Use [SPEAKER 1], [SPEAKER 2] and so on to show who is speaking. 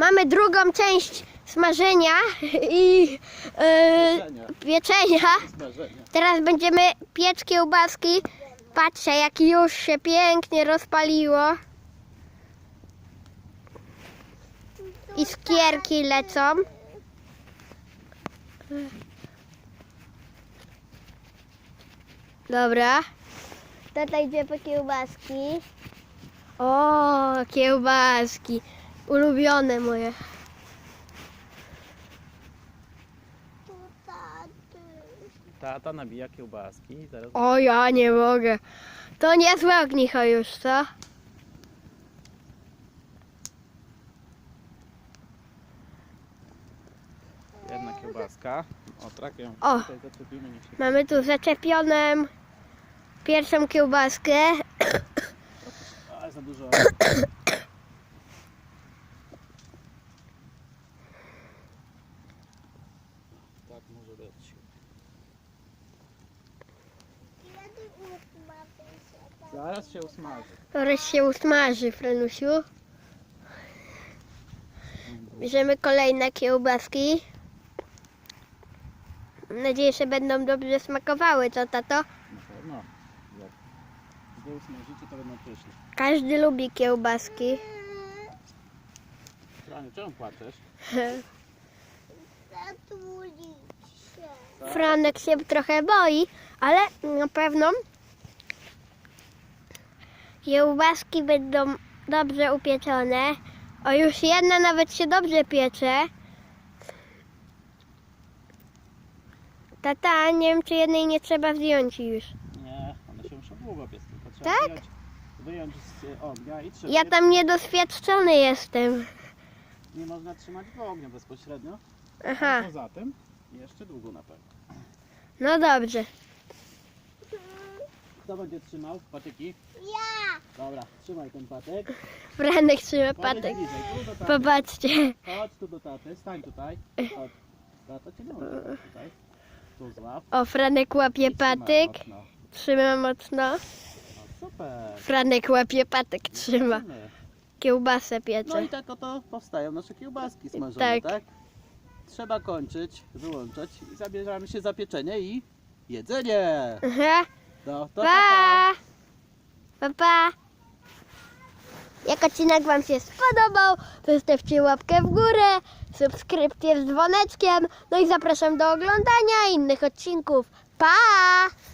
[SPEAKER 1] Mamy drugą część smażenia i pieczenia. Teraz będziemy piec kiełbaski. Patrzcie, jak już się pięknie rozpaliło. Iskierki lecą. Dobra. Tata idzie po kiełbaski. O, kiełbaski. Ulubione moje.
[SPEAKER 2] Tata nabija kiełbaski i zaraz...
[SPEAKER 1] O, ja nie mogę. To niezłe ognicho już, co?
[SPEAKER 2] Jedna kiełbaska. O, trakę.
[SPEAKER 1] O.
[SPEAKER 2] Tutaj zaczepimy, niech się...
[SPEAKER 1] Mamy tu zaczepioną pierwszą kiełbaskę.
[SPEAKER 2] A, za dużo. Tak może być. Zaraz się usmaży.
[SPEAKER 1] Zaraz się usmaży, Franusiu. Bierzemy kolejne kiełbaski. Mam nadzieję, że będą dobrze smakowały, co tato?
[SPEAKER 2] Na pewno. Jak znowu usmażycie, to będą pyszne.
[SPEAKER 1] Każdy lubi kiełbaski.
[SPEAKER 2] Franiu, czemu płaczesz?
[SPEAKER 1] Franek się trochę boi, ale na pewno kiełbaski będą dobrze upieczone. O, już jedna nawet się dobrze piecze. Tata, nie wiem, czy jednej nie trzeba zdjąć już.
[SPEAKER 2] Nie, one się muszą długo piec, tylko trzeba
[SPEAKER 1] Tak?
[SPEAKER 2] wyjąć z ognia i trzeba.
[SPEAKER 1] Ja tam niedoświadczony jestem.
[SPEAKER 2] Nie można trzymać w ogniu bezpośrednio.
[SPEAKER 1] Aha,
[SPEAKER 2] A poza tym jeszcze długo na pewno.
[SPEAKER 1] no dobrze.
[SPEAKER 2] Kto będzie trzymał patyki?
[SPEAKER 3] Ja!
[SPEAKER 2] Dobra, trzymaj ten patyk.
[SPEAKER 1] Franek trzyma
[SPEAKER 2] Podejdź
[SPEAKER 1] patyk.
[SPEAKER 2] bliżej, tu do taty.
[SPEAKER 1] Popatrzcie.
[SPEAKER 2] Chodź tu do taty, stań tutaj. Chodź. Tata cię nie może tutaj. Tu złap.
[SPEAKER 1] O, Franek łapie
[SPEAKER 2] I trzymaj
[SPEAKER 1] patyk.
[SPEAKER 2] mocno.
[SPEAKER 1] Trzyma mocno.
[SPEAKER 2] O, super.
[SPEAKER 1] Franek łapie patyk, trzyma.
[SPEAKER 2] Zobaczymy.
[SPEAKER 1] Kiełbasę
[SPEAKER 2] No
[SPEAKER 1] piecze.
[SPEAKER 2] i tak oto powstają nasze kiełbaski smażone,
[SPEAKER 1] Tak.
[SPEAKER 2] tak? Trzeba kończyć, wyłączać i zabieramy się za pieczenie i jedzenie.
[SPEAKER 1] Aha.
[SPEAKER 2] No, to
[SPEAKER 1] Pa! Pa, pa! Jak odcinek Wam się spodobał, to zostawcie łapkę w górę, subskrypcję z dzwoneczkiem, no i zapraszam do oglądania innych odcinków. Pa!